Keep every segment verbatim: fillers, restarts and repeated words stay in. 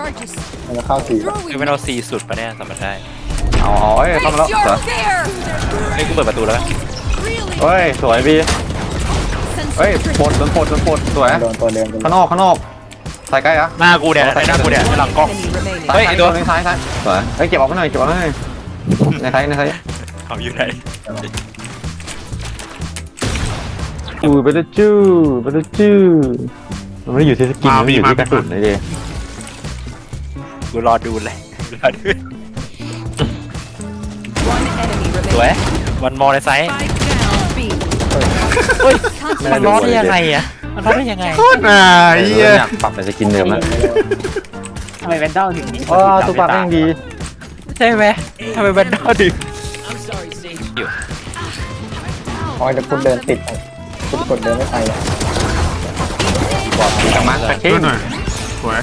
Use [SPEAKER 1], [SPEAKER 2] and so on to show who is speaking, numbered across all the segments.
[SPEAKER 1] มันจะเข้าสี่
[SPEAKER 2] คือเป็นเอาซีสุดปะเนี่ยสำหรับได้
[SPEAKER 3] เอาเอาเอ้ยเข้ามาแล้วเหรอ
[SPEAKER 2] เฮ้ยกูเปิดประตูแล้ว
[SPEAKER 3] เฮ้ยสวยบีเฮ้ยปลดโดนปลดโดนปลดสวย
[SPEAKER 1] โดนตัวเดิม
[SPEAKER 3] ข้างนอกข้างนอกใส่ใกล้อะ
[SPEAKER 2] หน้ากูเนี่ยหน้ากูเนี่ยหลังกล้อง
[SPEAKER 3] เฮ้ยตัวนึงซ้ายซ้ายสวยเฮ้ยเก็บออกมาหน่อยเก็บออกมาหน่อยในไทยในไทย
[SPEAKER 2] เขาอยู่ไหน
[SPEAKER 3] จูไปแล้วจูไปแล้วจูมันไม่ได้อยู่ที่สกินมันอยู่ที่กระสุนเลยดิ
[SPEAKER 2] กูรอดูเลยรอดูสวยวันมอในไซส์เฮ้ยมันรอดได้ยังไงอะมันรอดได้ยังไง
[SPEAKER 4] โคตรน่าเหี้ย
[SPEAKER 3] อยากปรับเป็นสกินเดิมแล้ว
[SPEAKER 5] ทำไมแวนดอลถึง
[SPEAKER 3] อ๋อตัวปรับยังดี
[SPEAKER 2] ใช่ไหมทำไมแบนดอลดึง
[SPEAKER 1] คอยจะคุณเดินติดคุณกดเดินไม่ไปอ่ะ
[SPEAKER 3] บอกดีจังมาก
[SPEAKER 4] ช่วยหน่อยสวย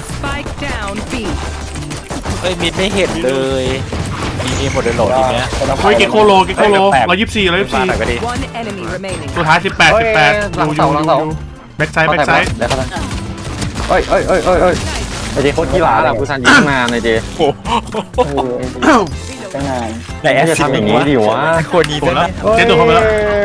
[SPEAKER 2] เฮ้ยมิดไม่เห็นเลยมีมีหมดเลยโหลดทีเนี้ย
[SPEAKER 4] เฮ้ยเกโคโลเกโคโลร้อยยี่สิบสี่ร้อยยี่สิบ
[SPEAKER 2] มา
[SPEAKER 4] สี่
[SPEAKER 2] หน่อยก็ดี
[SPEAKER 4] ตัวท้ายสิบแปดสิบแปด
[SPEAKER 3] หลัง
[SPEAKER 4] ดู
[SPEAKER 3] เสา
[SPEAKER 4] ดู
[SPEAKER 3] หลัง
[SPEAKER 4] ดู
[SPEAKER 3] เสา
[SPEAKER 4] แบ็กไซด์แบ็กไซด์
[SPEAKER 3] เดี๋ยวเขาเฮ้ยเฮ้ยเฮ้ยเฮ้ยเฮ้ยไอเจโคตรขี้ร้าอะกูทันยิงมาในเจ
[SPEAKER 2] โอ้โห
[SPEAKER 1] เออตั้งนาน
[SPEAKER 2] ไหนแอ
[SPEAKER 3] ไม่
[SPEAKER 2] ส
[SPEAKER 3] จะ
[SPEAKER 2] ซิ
[SPEAKER 3] ทำอย่างนี้ดิวะ
[SPEAKER 2] คนนี้
[SPEAKER 4] หม
[SPEAKER 2] ได้
[SPEAKER 4] ด
[SPEAKER 2] ไหม
[SPEAKER 4] แล้วเจ๊ตัวเข้าไปแล้ว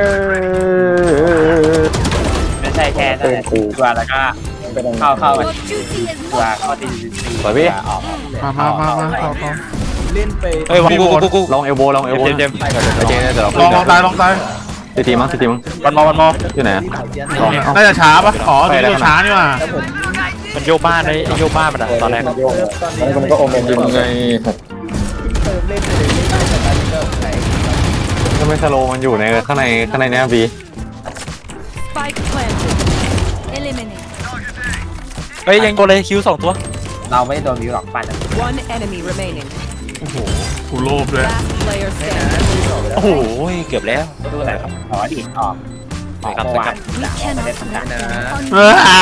[SPEAKER 5] ไม่ใช่แค่นั่นแหละตัวแล้วก็
[SPEAKER 1] เป็น
[SPEAKER 5] เข้าเข้าไปตัวเข้าดี
[SPEAKER 3] สวยพี่
[SPEAKER 5] ออก
[SPEAKER 4] มามามามาต่อต่อ
[SPEAKER 2] เฮ้ยกูกูกูกู
[SPEAKER 3] ลองเอลโบลองเอลโบ
[SPEAKER 2] เจมเจม
[SPEAKER 3] ไอเจเดี๋ยวเรา
[SPEAKER 4] ลองลองตายลองตาย
[SPEAKER 3] ตีทีมั้งตีทีมั้ง
[SPEAKER 2] วันมอวันมอ
[SPEAKER 3] อยู่ไหนลอง
[SPEAKER 4] น่าจะช้าปะอ๋อตัวนี้ตัวช้านี่ว่ะ
[SPEAKER 2] มันโยกบ้านเลยโยกบ้านมันอะตอนแรก
[SPEAKER 1] โยกแล้วมันก็โอเมน
[SPEAKER 3] ยังไงทำไมสโลมันอยู่ในข้างในข้างในเนี้ยบี
[SPEAKER 2] เฮ้ยยังตัวเลยคิวสองตัว
[SPEAKER 5] เราไม่โดนวิวหรอกปั่น
[SPEAKER 4] โอ้โหกูโลภเลย
[SPEAKER 2] โอ้โหเกือบแล้ว
[SPEAKER 5] ดูไหนครับอ๋อดิออกออกเมื่อวานไม่ได้ทำการนะ
[SPEAKER 4] เอออ่า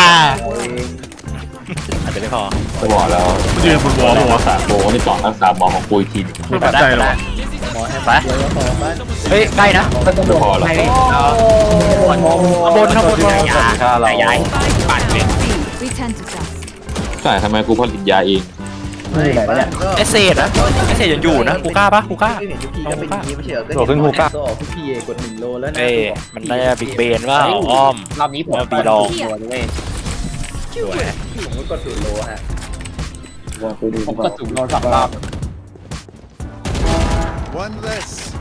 [SPEAKER 2] อาจจะไม่พอ
[SPEAKER 6] บอกแล้ว
[SPEAKER 4] มันยืนบนวอลหัว
[SPEAKER 6] รักษาโบนี่ก่อนรักษาบอลของกูอีกทีหนึ่ง
[SPEAKER 4] ไม่ปัจจัยหรอ
[SPEAKER 2] ไปเฮ้ยใกล้นะ
[SPEAKER 6] ไม่พอหรอก
[SPEAKER 5] ไม่ได้เอา
[SPEAKER 2] ข้างบนข้างบน
[SPEAKER 3] ถ้าเรา
[SPEAKER 5] ย้ายปั่นเลย
[SPEAKER 6] ใช่ทำไมกูผลิตยาเอง
[SPEAKER 1] นี่ไหนเนี่ย
[SPEAKER 2] เอสเซดนะเอสเซดยังอยู่นะกูกล้าปะกูกล้า
[SPEAKER 3] โดดขึ้นฮูก้า
[SPEAKER 2] เอ้มันน่าจะบิ๊กเบนว่าอ้อม
[SPEAKER 5] รอบนี้ผม
[SPEAKER 2] บีลอง
[SPEAKER 5] ตัวด้วย
[SPEAKER 2] สวย
[SPEAKER 5] ผมก็สูงโลฮะ
[SPEAKER 1] วางกูดี
[SPEAKER 5] ผมก็สูงโลสองรอบ
[SPEAKER 7] One less.